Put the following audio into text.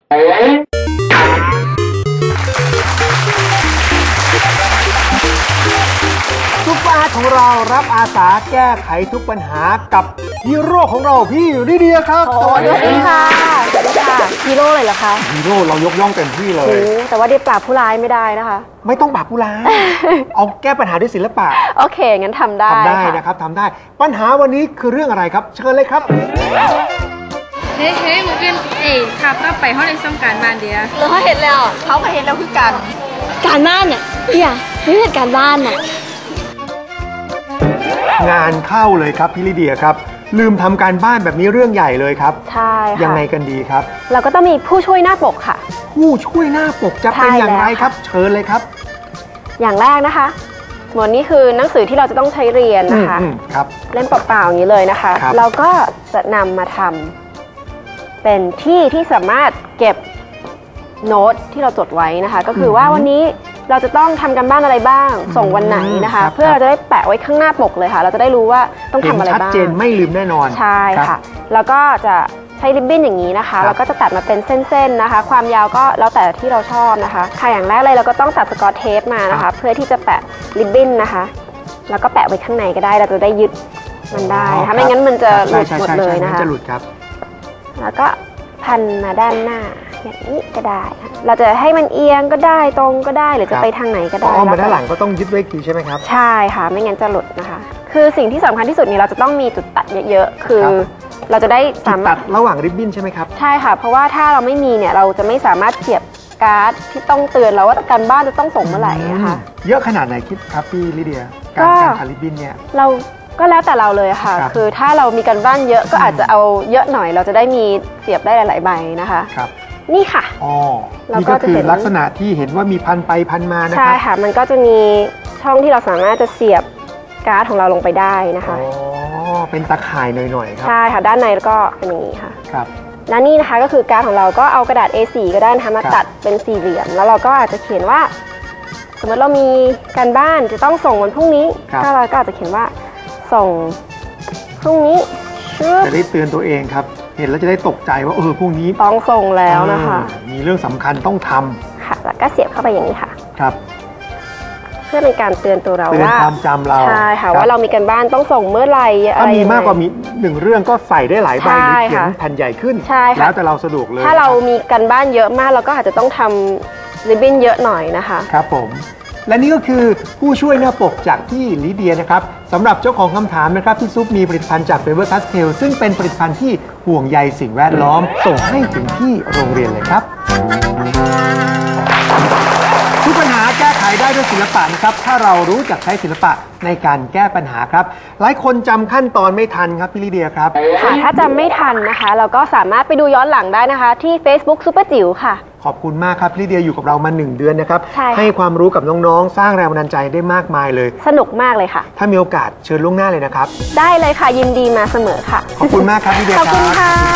ซุปเปอร์อาร์ตของเรารับอาสาแก้ไขทุกปัญหากับฮีโร่ของเราพี่ลิเดียครับสวัสดีค่ะสวัสดีค่ะฮีโร่เลยเหรอคะฮีโร่เรายกย่องเต็มที่เลยแต่ว่าเดียปราบผู้ร้ายไม่ได้นะคะไม่ต้องปราบผู้ร้าย เอาแก้ปัญหาด้วยศิลปะโอเคงั้นทำได้นะครับทำได้ปัญหาวันนี้คือเรื่องอะไรครับเชิญเลยครับเฮ้ยมึงกินครับก็ไปห้องในซ่องการบ้านเดียวเราเห็นแล้วเขาก็เห็นแล้วคือการบ้านเนี่ยเนี่ยนี่คือการบ้านน่ะงานเข้าเลยครับพี่ลิเดียครับลืมทำการบ้านแบบนี้เรื่องใหญ่เลยครับใช่ค่ะยังไงกันดีครับเราก็ต้องมีผู้ช่วยหน้าปกค่ะผู้ช่วยหน้าปกจะเป็นอย่างไรครับเชิญเลยครับอย่างแรกนะคะสมมตินี่คือหนังสือที่เราจะต้องใช้เรียนนะคะครับเล่มเปล่าๆอย่างนี้เลยนะคะเราก็จะนำมาทำเป็นที่ที่สามารถเก็บโน้ตที่เราจดไว้นะคะก็คือว่าวันนี้เราจะต้องทำกันบ้านอะไรบ้างส่งวันไหนนะคะเพื่อเราจะได้แปะไว้ข้างหน้าปกเลยค่ะเราจะได้รู้ว่าต้องทำอะไรบ้างชัดเจนไม่ลืมแน่นอนใช่ค่ะแล้วก็จะใช้ริบบิ้นอย่างนี้นะคะแล้วก็จะตัดมาเป็นเส้นๆนะคะความยาวก็แล้วแต่ที่เราชอบนะคะค่ะอย่างแรกเลยเราก็ต้องตัดสกอตเทปมานะคะเพื่อที่จะแปะริบบิ้นนะคะแล้วก็แปะไว้ข้างในก็ได้เราจะได้ยึดมันได้ค่ะไม่งั้นมันจะหลุดหมดเลยนะคะจะหลุดครับแล้วก็พันมาด้านหน้าอย่างนี้ก็ได้เราจะให้มันเอียงก็ได้ตรงก็ได้หรือจะไปทางไหนก็ได้อ้อมมาด้านหลังก็ต้องยึดไว้ทีใช่ไหมครับใช่ค่ะไม่งั้นจะหลุดนะคะคือสิ่งที่สำคัญที่สุดนี่เราจะต้องมีจุดตัดเยอะๆคือเราจะได้สามารถตัดระหว่างริบบิ้นใช่ไหมครับใช่ค่ะเพราะว่าถ้าเราไม่มีเนี่ยเราจะไม่สามารถเสียบการ์ดที่ต้องเตือนเราว่าการบ้านจะต้องส่งเมื่อไหร่นะคะเยอะขนาดไหนคิดครับพี่ลิเดียการทาริบบิ้นเนี่ยเราก็แล้วแต่เราเลยค่ะคือถ้าเรามีการบ้านเยอะก็อาจจะเอาเยอะหน่อยเราจะได้มีเสียบได้หลายๆใบนะคะครับนี่ค่ะนี่ก็คือลักษณะที่เห็นว่ามีพันไปพันมานะครับใช่ค่ะมันก็จะมีช่องที่เราสามารถจะเสียบการ์ดของเราลงไปได้นะคะเป็นตะข่ายหน่อยๆครับใช่ค่ะด้านในก็เป็นอย่างนี้ค่ะครับและนี่นะคะก็คือการ์ดของเราก็เอากระดาษ A4 ก็ได้นะคะมาตัดเป็นสี่เหลี่ยมแล้วเราก็อาจจะเขียนว่าสมมติเรามีการบ้านจะต้องส่งวันพรุ่งนี้ถ้าเราก็อาจจะเขียนว่าส่งพรุ่งนี้จะได้เตือนตัวเองครับเห็นแล้วจะได้ตกใจว่าพรุ่งนี้ต้องส่งแล้วนะคะมีเรื่องสำคัญต้องทำค่ะแล้วก็เสียบเข้าไปอย่างนี้ค่ะครับเพื่อเป็นการเตือนตัวเราว่าความจำเราใช่ค่ะว่าเรามีการบ้านต้องส่งเมื่อไหร่ถ้ามีมากกว่ามี1เรื่องก็ใส่ได้หลายใบหรือเขียนแผ่นใหญ่ขึ้นแล้วแต่เราสะดวกเลยถ้าเรามีการบ้านเยอะมากเราก็อาจจะต้องทำริบบิ้นเยอะหน่อยนะคะครับผมและนี่ก็คือผู้ช่วยหน้าปกจากพี่ลิเดียนะครับสำหรับเจ้าของคำถามนะครับพี่ซุปมีผลิตภัณฑ์จาก Faber Castell ซึ่งเป็นผลิตภัณฑ์ที่ห่วงใยสิ่งแวดล้อมส่งให้ถึงที่โรงเรียนเลยครับทุกปัญหาแก้ไขได้ด้วยศิลปะนะครับถ้าเรารู้จักใช้ศิลปะในการแก้ปัญหาครับหลายคนจำขั้นตอนไม่ทันครับพี่ลิเดียครับค่ะถ้าจำไม่ทันนะคะเราก็สามารถไปดูย้อนหลังได้นะคะที่ Facebook ซุปเปอร์จิ๋วค่ะขอบคุณมากครับพี่ลิเดียอยู่กับเรามา1 เดือนนะครับให้ความรู้กับน้องๆสร้างแรงบันดาลใจได้มากมายเลยสนุกมากเลยค่ะถ้ามีโอกาสเชิญล่วงหน้าเลยนะครับได้เลยค่ะยินดีมาเสมอค่ะขอบคุณมากครับพี่ลิเดียครับขอบคุณค่ะ